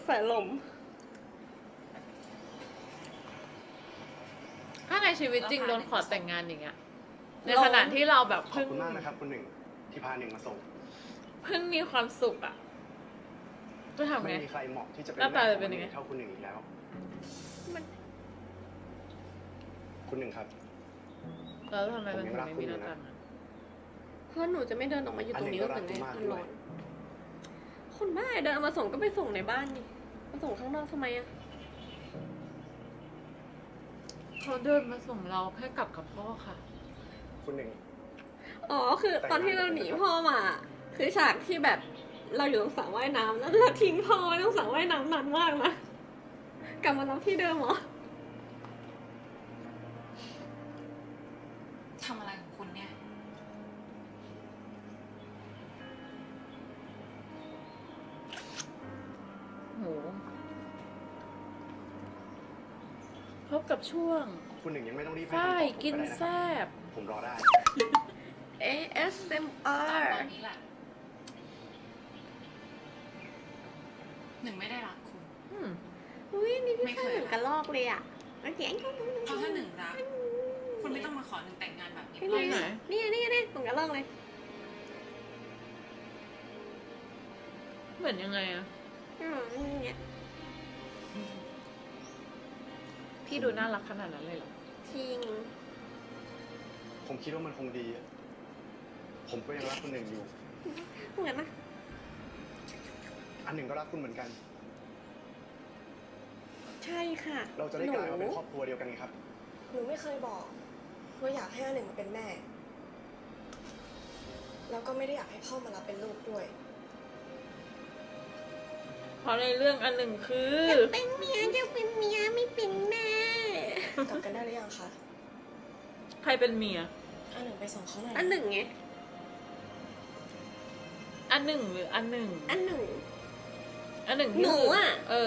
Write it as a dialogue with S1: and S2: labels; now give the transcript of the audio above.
S1: แสลม
S2: ถ้าในชีวิตจริงโดนขอแต่งงานอย่างเงี้ยในขณะที่เราแบบ
S3: ขอบคุณมากนะครับคุณหนึ่งที่พาหนึ่งมาส่ง
S2: เพิ่งมีความสุขอ่ะจะทำ
S3: ไม่
S2: ไง
S3: มีใครเหมาะที่จะเป็น
S2: หน้าตา
S3: แม่
S2: จะเป็น
S3: ข
S2: ยั
S3: อง
S2: ไง
S3: เท่าคุณหนึ่งอีกแล้ว
S1: มัน
S3: คุณหนึ่งครับ
S2: แล้วทำไมมันถึงไม่มีหน้าตา
S1: เพราะหนูจะไม่เดินออกมาอยู่ตรงนี้ก็เหมือนไง
S3: อัน
S1: มัน
S3: นี้ก็
S1: ร้
S3: รั
S1: อก น
S3: คุณมาก
S1: คนบ้าเดินเอามาส่งก็ไปส่งในบ้านดิมาส่งข้างนอกทำไมอะ
S2: เขาเดินมาส่งเราให้กลับกับพ่อค่ะ
S3: คุณหนึ่ง
S1: อ๋อคือตอนที่เราหนีพ่อมา คือฉากที่แบบเราอยู่ตรงสระว่ายน้ำแล้วเราทิ้งพ่อไว้ตรงสระว่ายน้ำนานมากนะกลับมารับที่เดิมเหรอ
S4: ทำอะไรของคุณเนี่ย
S2: โหพบกับช่วง
S3: คุณหนึ่งยังไม่ต้องรีบให้
S2: ฝ้าย
S3: คำตอบผม
S2: กิน
S3: ได้ะ
S2: แซ
S3: ครับ ผมรอได้
S1: ASMR
S4: ตอนนี้แหละ หนึ่งไม่ได้รักคุณ
S2: อืม
S1: อุ้ยนี่พี่
S4: ไม่
S1: ชา
S4: เค
S1: ย
S4: ย
S1: เหมือนกระลอกเลยอ่ะโอเค
S4: เพราะถ้าหนึ่งรัก คุณไม่ต้องมาขอหนึ่งแต่งงานแบบนี้
S1: นี่
S2: ไหน
S1: นี่นี่นี่เหมือนกระลอกเลย
S2: เหมือนยังไงอะ
S1: เนี่ย
S2: พี่ดูน่ารักขนาดนั้นเลยเหรอ
S1: จริง
S3: ผมคิดว่ามันคงดีอะผมก็ยังรักคุณหนึ่งอยู่
S1: เหมือนนะ
S3: อันหนึ่งก็รักคุณเหมือนกัน
S1: ใช่ค่ะ
S3: เราจะได้กลายมาเป็นครอบครัวเดียวกันไงครับ
S5: หนูไม่เคยบอกว่าอยากให้อันหนึ่งมาเป็นแม่ แล้วก็ไม่ได้อยากให้พ่อมารับเป็นลูกด้วย
S2: เพราะในเรื่องอันหนึ่งคือ
S1: เป็นเมียจะเป็นเมียไม่เป็นแม่
S5: กลับกันได้หรือยังคะ
S2: ใครเป็นเมีย
S5: อันหนึ่งไปส่งเขาหน่อย
S1: อันหนึ่งไง
S2: อันหนึ่งหรืออันหนึ่ง
S1: อันหนึ่ง
S2: อันหนึ่ง
S1: หนูอะ
S2: เออ